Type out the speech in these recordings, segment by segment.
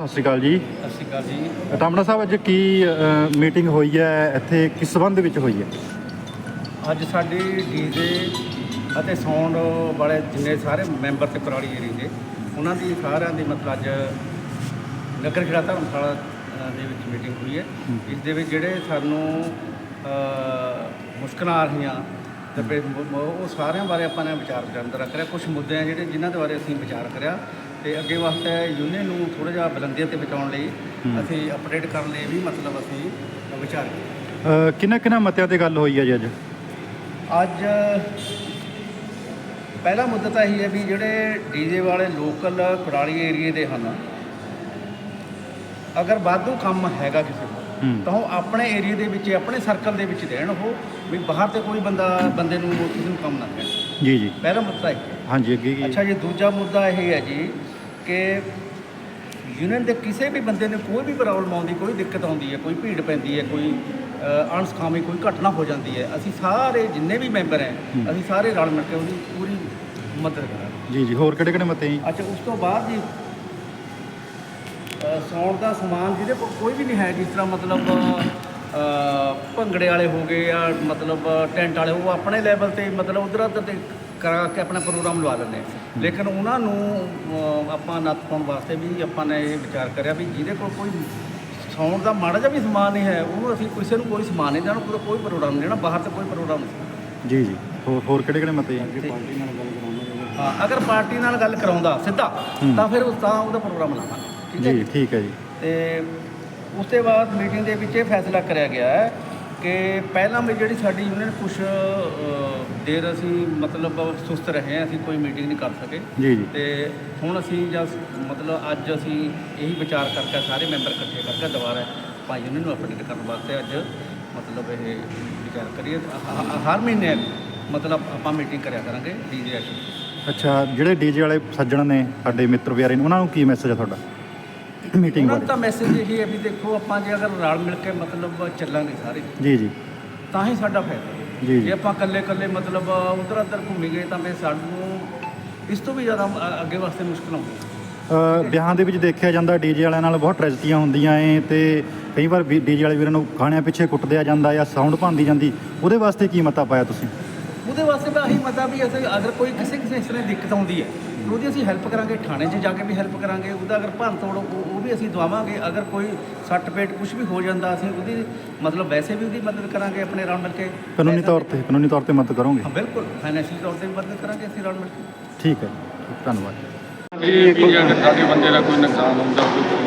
ਸਤਿ ਸ਼੍ਰੀ ਅਕਾਲ ਜੀ। ਸਤਿ ਸ਼੍ਰੀ ਅਕਾਲ ਜੀ। ਟਾਮਣਾ ਸਾਹਿਬ, ਅੱਜ ਕੀ ਮੀਟਿੰਗ ਹੋਈ ਹੈ ਇੱਥੇ, ਕਿਸ ਸੰਬੰਧ ਵਿੱਚ ਹੋਈ ਹੈ? ਅੱਜ ਸਾਡੀ ਡੀਜੇ ਅਤੇ ਸਾਊਂਡ ਵਾਲੇ ਜਿੰਨੇ ਸਾਰੇ ਮੈਂਬਰ ਤੇ ਪਰਾਲੀ ਏਰੀਏ ਦੇ ਉਹਨਾਂ ਦੀ ਸਾਰਿਆਂ ਦੀ ਮਤਲਬ ਅੱਜ ਨਗਰ ਖੇੜਾ ਧਰਮਸ਼ਾਲਾ ਦੇ ਵਿੱਚ ਮੀਟਿੰਗ ਹੋਈ ਹੈ। ਇਸ ਦੇ ਵਿੱਚ ਜਿਹੜੇ ਸਾਨੂੰ ਮੁਸ਼ਕਲਾਂ ਆ ਰਹੀਆਂ ਤੇ ਫਿਰ ਉਹ ਸਾਰਿਆਂ ਬਾਰੇ ਆਪਾਂ ਨੇ ਵਿਚਾਰ ਵਟਾਂਦਰਾ ਕਰਿਆ। ਕੁਝ ਮੁੱਦੇ ਆ ਜਿਹੜੇ ਜਿਨ੍ਹਾਂ ਦੇ ਬਾਰੇ ਅਸੀਂ ਵਿਚਾਰ ਕਰਿਆ ਤੇ ਅੱਗੇ ਵਾਸਤੇ ਯੂਨੀਅਨ ਨੂੰ ਥੋੜ੍ਹਾ ਜਿਹਾ ਬੁਲੰਦੀਆਂ ਤੇ ਪਹੁੰਚਾਉਣ ਲਈ ਅਸੀਂ ਅਪਡੇਟ ਕਰਨ ਲਈ ਵੀ ਮਤਲਬ ਅਸੀਂ ਵਿਚਾਰ ਕੀਤਾ। ਕਿੰਨਾ ਮਤਿਆਂ ਤੇ ਗੱਲ ਹੋਈ ਹੈ ਜੀ ਅੱਜ ਪਹਿਲਾ ਮੁੱਦਾ ਤਾਂ ਇਹੀ ਹੈ ਵੀ ਜਿਹੜੇ ਡੀਜੇ ਵਾਲੇ ਲੋਕਲ ਕੁਰਾਲੀ ਏਰੀਏ ਦੇ ਹਨ, ਅਗਰ ਵਾਧੂ ਕੰਮ ਹੈਗਾ ਕਿਸੇ ਨੂੰ ਤਾਂ ਉਹ ਆਪਣੇ ਏਰੀਏ ਦੇ ਵਿੱਚ ਆਪਣੇ ਸਰਕਲ ਦੇ ਵਿੱਚ ਦੇਣ, ਉਹ ਵੀ ਬਾਹਰ ਤੇ ਕੋਈ ਬੰਦੇ ਨੂੰ ਕਿਸੇ ਨੂੰ ਕੰਮ ਨਾ ਦੇਣ। ਜੀ ਜੀ, ਪਹਿਲਾ ਮੁੱਦਾ ਇਹ। ਹਾਂਜੀ, ਅੱਗੇ ਕੀ? ਅੱਛਾ ਜੀ, ਦੂਜਾ ਮੁੱਦਾ ਇਹ ਹੈ ਜੀ ਕਿ ਯੂਨੀਅਨ ਦੇ ਕਿਸੇ ਵੀ ਬੰਦੇ ਨੂੰ ਕੋਈ ਵੀ ਪ੍ਰੋਬਲਮ ਆਉਂਦੀ, ਕੋਈ ਦਿੱਕਤ ਆਉਂਦੀ ਹੈ, ਕੋਈ ਭੀੜ ਪੈਂਦੀ ਹੈ, ਕੋਈ ਅਣਸਖਾਵੀ ਕੋਈ ਘਟਨਾ ਹੋ ਜਾਂਦੀ ਹੈ, ਅਸੀਂ ਸਾਰੇ ਜਿੰਨੇ ਵੀ ਮੈਂਬਰ ਹੈ ਅਸੀਂ ਸਾਰੇ ਰਲ ਮਿਲ ਕੇ ਉਹਦੀ ਪੂਰੀ ਮਦਦ ਕਰਾਂਗੇ। ਜੀ ਜੀ, ਹੋਰ ਕਿਹੜੇ ਕਿਹੜੇ ਮਤੇ ਜੀ? ਅੱਛਾ, ਉਸ ਤੋਂ ਬਾਅਦ ਜੀ ਸੌਣ ਦਾ ਸਮਾਨ ਜਿਹਦੇ ਕੋਲ ਕੋਈ ਵੀ ਨਹੀਂ ਹੈ, ਜਿਸ ਤਰ੍ਹਾਂ ਮਤਲਬ ਭੰਗੜੇ ਵਾਲੇ ਹੋ ਗਏ ਜਾਂ ਮਤਲਬ ਟੈਂਟ ਵਾਲੇ, ਉਹ ਆਪਣੇ ਲੈਵਲ 'ਤੇ ਮਤਲਬ ਉੱਧਰ ਉੱਧਰ 'ਤੇ ਕਰਾ ਕੇ ਆਪਣਾ ਪ੍ਰੋਗਰਾਮ ਲਵਾ ਲੈਂਦੇ। ਲੇਕਿਨ ਉਹਨਾਂ ਨੂੰ ਆਪਾਂ ਨੱਥ ਪਾਉਣ ਵਾਸਤੇ ਵੀ ਆਪਾਂ ਨੇ ਇਹ ਵਿਚਾਰ ਕਰਿਆ ਵੀ ਜਿਹਦੇ ਕੋਲ ਕੋਈ ਸੌਣ ਦਾ ਮਾੜਾ ਜਿਹਾ ਵੀ ਸਮਾਨ ਨਹੀਂ ਹੈ, ਉਹਨੂੰ ਅਸੀਂ ਕਿਸੇ ਨੂੰ ਕੋਈ ਸਮਾਨ ਨਹੀਂ ਦੇਣਾ, ਪੂਰਾ ਕੋਈ ਪ੍ਰੋਗਰਾਮ ਨਹੀਂ ਦੇਣਾ, ਬਾਹਰ ਤੇ ਕੋਈ ਪ੍ਰੋਗਰਾਮ ਨਹੀਂ। ਜੀ ਜੀ, ਹੋਰ ਕਿਹੜੇ ਕਿਹੜੇ ਮਤੇ ਜੀ? ਹਾਂ, ਅਗਰ ਪਾਰਟੀ ਨਾਲ ਗੱਲ ਕਰਾਉਂਦਾ ਸਿੱਧਾ ਤਾਂ ਫਿਰ ਉਹਦਾ ਪ੍ਰੋਗਰਾਮ ਲਾਵਾਂਗੇ। ਠੀਕ ਹੈ ਜੀ, ਠੀਕ ਹੈ ਜੀ। ਤੇ ਉਸ ਤੋਂ ਬਾਅਦ ਮੀਟਿੰਗ ਦੇ ਵਿੱਚ ਇਹ ਫੈਸਲਾ ਕਰਿਆ ਗਿਆ ਹੈ ਕਿ ਪਹਿਲਾਂ ਵੀ ਜਿਹੜੀ ਸਾਡੀ ਯੂਨੀਅਨ ਕੁਛ ਦੇਰ ਅਸੀਂ ਮਤਲਬ ਸੁਸਤ ਰਹੇ, ਅਸੀਂ ਕੋਈ ਮੀਟਿੰਗ ਨਹੀਂ ਕਰ ਸਕੇ। ਜੀ ਜੀ, ਤੇ ਹੁਣ ਅਸੀਂ ਮਤਲਬ ਅੱਜ ਅਸੀਂ ਇਹੀ ਵਿਚਾਰ ਕਰਕੇ ਸਾਰੇ ਮੈਂਬਰ ਇਕੱਠੇ ਕਰਕੇ ਦੁਬਾਰਾ ਭਾਈ ਯੂਨੀਅਨ ਨੂੰ ਅਪਡੇਟ ਕਰਨ ਵਾਸਤੇ ਅੱਜ ਮਤਲਬ ਇਹ ਵਿਚਾਰ ਕਰੀਏ। ਹਰ ਮਹੀਨੇ ਮਤਲਬ ਆਪਾਂ ਮੀਟਿੰਗ ਕਰਿਆ ਕਰਾਂਗੇ ਡੀਜੇ ਐਸੋਸੀਏਸ਼ਨ। ਅੱਛਾ, ਜਿਹੜੇ ਡੀਜੇ ਵਾਲੇ ਸੱਜਣ ਨੇ ਸਾਡੇ ਮਿੱਤਰ ਪਿਆਰੇ ਨੇ, ਉਹਨਾਂ ਨੂੰ ਕੀ ਮੈਸੇਜ ਹੈ ਤੁਹਾਡਾ ਮੀਟਿੰਗ ਉਹਨਾਂ ਬਾਰੇ? ਦਾ ਮੈਸੇਜ ਇਹ ਹੈ ਵੀ ਦੇਖੋ, ਆਪਾਂ ਜੇ ਅਗਰ ਰਲ ਮਿਲ ਕੇ ਮਤਲਬ ਚੱਲਾਂਗੇ ਸਾਰੇ, ਜੀ ਜੀ ਤਾਂ ਹੀ ਸਾਡਾ ਫਾਇਦਾ। ਜੀ ਜੇ ਆਪਾਂ ਇਕੱਲੇ ਮਤਲਬ ਉੱਧਰ ਉੱਧਰ ਘੁੰਮੀ ਗਏ ਤਾਂ ਫਿਰ ਸਾਨੂੰ ਇਸ ਤੋਂ ਵੀ ਜ਼ਿਆਦਾ ਅੱਗੇ ਵਾਸਤੇ ਮੁਸ਼ਕਲ ਆਉਂਦੀ। ਵਿਆਹਾਂ ਦੇ ਵਿੱਚ ਦੇਖਿਆ ਜਾਂਦਾ ਡੀਜੇ ਵਾਲਿਆਂ ਨਾਲ ਬਹੁਤ ਟ੍ਰੈਜਡੀਆਂ ਹੁੰਦੀਆਂ ਏ, ਤੇ ਕਈ ਵਾਰ ਡੀਜੇ ਵਾਲੇ ਵੀਰਾਂ ਨੂੰ ਖਾਣਿਆਂ ਪਿੱਛੇ ਕੁੱਟਦਿਆ ਜਾਂਦਾ ਜਾਂ ਸਾਊਂਡ ਭੰਦੀ ਜਾਂਦੀ, ਉਹਦੇ ਵਾਸਤੇ ਕੀ ਮਤਾ ਪਾਇਆ ਤੁਸੀਂ? ਉਹਦੇ ਵਾਸਤੇ ਤਾਂ ਇਹੀ ਮਤਾ ਵੀ ਅਸੀਂ ਅਗਰ ਕੋਈ ਕਿਸੇ ਇਸ ਤਰ੍ਹਾਂ ਦੀ ਦਿੱਕਤ ਆਉਂਦੀ ਹੈ ਉਹਦੀ ਅਸੀਂ ਹੈਲਪ ਕਰਾਂਗੇ, ਥਾਣੇ 'ਚ ਜਾ ਕੇ ਵੀ ਹੈਲਪ ਕਰਾਂਗੇ, ਉਹਦਾ ਅਗਰ ਭੰਨ ਤੋੜ ਉਹ ਵੀ ਅਸੀਂ ਦਵਾਵਾਂਗੇ। ਅਗਰ ਕੋਈ ਸੱਟ ਪੇਟ ਕੁਝ ਵੀ ਹੋ ਜਾਂਦਾ ਅਸੀਂ ਉਹਦੀ ਮਤਲਬ ਵੈਸੇ ਵੀ ਉਹਦੀ ਮਦਦ ਕਰਾਂਗੇ ਆਪਣੇ ਰਲ ਮਿਲ ਕੇ। ਕਾਨੂੰਨੀ ਤੌਰ ਤੇ ਮਦਦ ਕਰੋਗੇ? ਹਾਂ ਬਿਲਕੁਲ, ਫਾਈਨੈਂਸ਼ੀਅਲ ਤੌਰ ਤੇ ਵੀ ਮਦਦ ਕਰਾਂਗੇ ਅਸੀਂ ਰਲ ਮਿਲ ਕੇ। ਠੀਕ ਹੈ, ਧੰਨਵਾਦ। ਅਗਰ ਸਾਡੇ ਬੰਦੇ ਦਾ ਕੋਈ ਨੁਕਸਾਨ ਹੁੰਦਾ,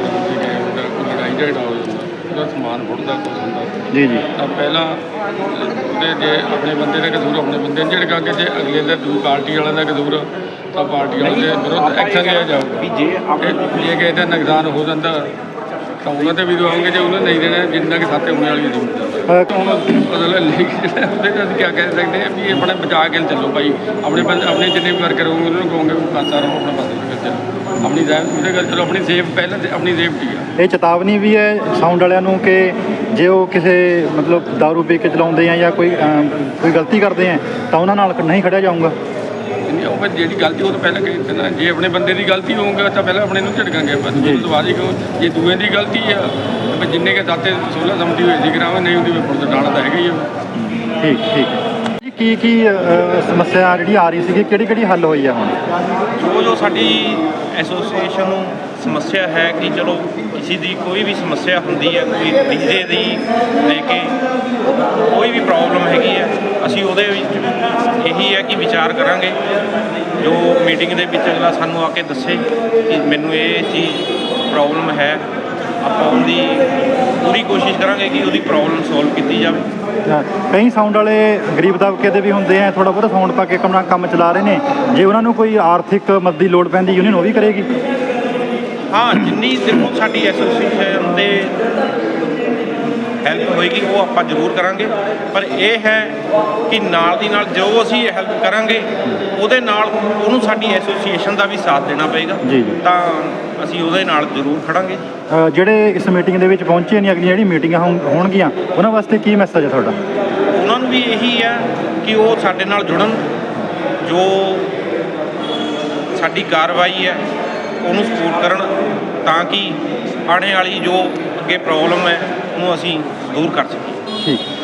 ਕੋਈ ਲੜਾਈ ਝਗੜਾ ਹੋ ਜਾਂਦਾ, ਉਹਦਾ ਸਮਾਨ ਫੁੱਟਦਾ ਕੁਛ ਹੁੰਦਾ, ਜੀ ਜੀ, ਤਾਂ ਪਹਿਲਾਂ ਉਹਦੇ ਜੇ ਆਪਣੇ ਬੰਦੇ ਦਾ ਕਸੂਰ ਆਪਣੇ ਬੰਦੇ ਨੂੰ ਝਿੜਕਾਂਗੇ, ਜੇ ਅਗਲੇ ਦਾ ਦੂਜੀ ਪਾਰਟੀ ਵਾਲਿਆਂ ਦਾ ਕਸੂਰ ਤਾਂ ਪਾਰਟੀ ਵਾਲੇ ਦੇ ਵਿਰੁੱਧ ਐਕਸ਼ਨ ਲਿਆ ਜਾਊਗਾ। ਜੇ ਕਿਸੇ ਦਾ ਨੁਕਸਾਨ ਹੋ ਜਾਂਦਾ ਤਾਂ ਉਹਨਾਂ 'ਤੇ ਵੀ ਦਵਾਉਂਗੇ, ਜੇ ਉਹਨਾਂ ਨਹੀਂ ਦੇਣਾ ਜਿੰਨਾ ਕਿ ਸਾਥੇ ਹੋਣੇ ਵਾਲੀ ਨਹੀਂ। ਹੁਣ ਮਤਲਬ ਜਿਹੜਾ ਉਹਦੇ 'ਤੇ ਅਸੀਂ ਕੀ ਕਹਿ ਸਕਦੇ ਹਾਂ ਵੀ ਇਹ ਆਪਣੇ ਬਚਾ ਕੇ ਚੱਲੋ ਭਾਈ, ਆਪਣੇ ਜਿੰਨੇ ਵੀ ਵਰਕਰ ਹੋਊਗੇ ਉਹਨਾਂ ਨੂੰ ਕਹੋਗੇ ਪਾਸਾ ਰਹੋ, ਆਪਣਾ ਪਾਸੇ ਚੱਲੋ, ਆਪਣੀ ਉਹਦੇ ਗੱਲ ਚਲੋ, ਆਪਣੀ ਸੇਫ ਪਹਿਲਾਂ ਆਪਣੀ ਸੇਫਟੀ ਆ। ਇਹ ਚੇਤਾਵਨੀ ਵੀ ਹੈ ਸਾਊਂਡ ਵਾਲਿਆਂ ਨੂੰ ਕਿ ਜੇ ਉਹ ਕਿਸੇ ਮਤਲਬ ਦਾਰੂ ਪੀ ਕੇ ਚਲਾਉਂਦੇ ਆ ਜਾਂ ਕੋਈ ਗਲਤੀ ਕਰਦੇ ਆ ਤਾਂ ਉਹਨਾਂ ਨਾਲ ਨਹੀਂ ਖੜਿਆ ਜਾਊਗਾ। ਉਹ ਜਿਹੜੀ ਗਲਤੀ ਉਹ ਤਾਂ ਪਹਿਲਾਂ ਕਹੀ ਦਿੱਤਾ ਨਾ, ਜੇ ਆਪਣੇ ਬੰਦੇ ਦੀ ਗਲਤੀ ਹੋਊਗਾ ਤਾਂ ਪਹਿਲਾਂ ਆਪਣੇ ਨੂੰ ਝਿੜਕਾਂਗੇ, ਬਸ ਦਵਾਜੀ ਕਿਉਂ, ਜੇ ਦੂਏ ਦੀ ਗਲਤੀ ਆ ਤਾਂ ਜਿੰਨੇ ਕੇ ਸਾਥੇ 16 ਸਮਝੀ ਹੋਈ ਸੀ ਕਰਾਵਾਂ, ਨਹੀਂ ਉਹਦੀ ਪੁਲਿਸ ਡਾਣਾ ਤਾਂ ਹੈਗਾ ਹੀ ਆ। ਠੀਕ ਜੀ, ਕੀ ਸਮੱਸਿਆ ਜਿਹੜੀ ਆ ਰਹੀ ਸੀਗੀ, ਕਿਹੜੀ ਹੱਲ ਹੋਈ ਆ ਹੁਣ? ਜੋ ਸਾਡੀ ਐਸੋਸੀਏਸ਼ਨ ਨੂੰ ਸਮੱਸਿਆ ਹੈ ਕਿ ਚਲੋ ਕਿਸੇ ਦੀ ਕੋਈ ਵੀ ਸਮੱਸਿਆ ਹੁੰਦੀ ਹੈ, ਕੋਈ ਡੀਜੇ ਦੀ ਲੈ ਕੇ ਕੋਈ ਵੀ ਪ੍ਰੋਬਲਮ ਹੈਗੀ ਹੈ, ਅਸੀਂ ਉਹਦੇ ਵਿੱਚ ਇਹੀ ਹੈ ਕਿ ਵਿਚਾਰ ਕਰਾਂਗੇ। ਜੋ ਮੀਟਿੰਗ ਦੇ ਵਿੱਚ ਅਗਲਾ ਸਾਨੂੰ ਆ ਕੇ ਦੱਸੇ ਕਿ ਮੈਨੂੰ ਇਹ ਚੀਜ਼ ਪ੍ਰੋਬਲਮ ਹੈ, ਆਪਾਂ ਉਹਦੀ ਪੂਰੀ ਕੋਸ਼ਿਸ਼ ਕਰਾਂਗੇ ਕਿ ਉਹਦੀ ਪ੍ਰੋਬਲਮ ਸੋਲਵ ਕੀਤੀ ਜਾਵੇ। ਕਈ ਸਾਊਂਡ ਵਾਲੇ ਗਰੀਬ ਦਬਕੇ ਦੇ ਵੀ ਹੁੰਦੇ ਆ, ਥੋੜ੍ਹਾ ਬਹੁਤਾ ਸਾਊਂਡ ਪਾ ਕੇ ਕੰਮ ਚਲਾ ਰਹੇ ਨੇ, ਜੇ ਉਹਨਾਂ ਨੂੰ ਕੋਈ ਆਰਥਿਕ ਮਦਦ ਦੀ ਲੋੜ ਪੈਂਦੀ ਯੂਨੀਅਨ ਉਹ ਵੀ ਕਰੇਗੀ? ਹਾਂ, ਜਿੰਨੀ ਦੇਖੋ ਸਾਡੀ ਐਸੋਸੀਏਸ਼ਨ ਦੇ ਹੈਲਪ ਹੋਏਗੀ ਉਹ ਆਪਾਂ ਜ਼ਰੂਰ ਕਰਾਂਗੇ, ਪਰ ਇਹ ਹੈ ਕਿ ਨਾਲ ਦੀ ਨਾਲ ਜੋ ਅਸੀਂ ਹੈਲਪ ਕਰਾਂਗੇ ਉਹਦੇ ਨਾਲ ਉਹਨੂੰ ਸਾਡੀ ਐਸੋਸੀਏਸ਼ਨ ਦਾ ਵੀ ਸਾਥ ਦੇਣਾ ਪਏਗਾ, ਤਾਂ ਅਸੀਂ ਉਹਦੇ ਨਾਲ ਜ਼ਰੂਰ ਖੜਾਂਗੇ। ਜਿਹੜੇ ਇਸ ਮੀਟਿੰਗ ਦੇ ਵਿੱਚ ਪਹੁੰਚੇ ਨੇ, ਅਗਲੀਆਂ ਜਿਹੜੀ ਮੀਟਿੰਗਾਂ ਹੋਣਗੀਆਂ ਉਹਨਾਂ ਵਾਸਤੇ ਕੀ ਮੈਸੇਜ ਹੈ ਤੁਹਾਡਾ? ਉਹਨਾਂ ਨੂੰ ਵੀ ਇਹੀ ਹੈ ਕਿ ਉਹ ਸਾਡੇ ਨਾਲ ਜੁੜਨ, ਜੋ ਸਾਡੀ ਕਾਰਵਾਈ ਹੈ ਉਹਨੂੰ ਸਪੋਰਟ ਕਰਨ, ਤਾਂ ਕਿ ਆਉਣੇ ਵਾਲੀ ਜੋ ਅੱਗੇ ਪ੍ਰੋਬਲਮ ਹੈ ਉਹਨੂੰ ਅਸੀਂ ਦੂਰ ਕਰ ਸਕੀਏ। ਠੀਕ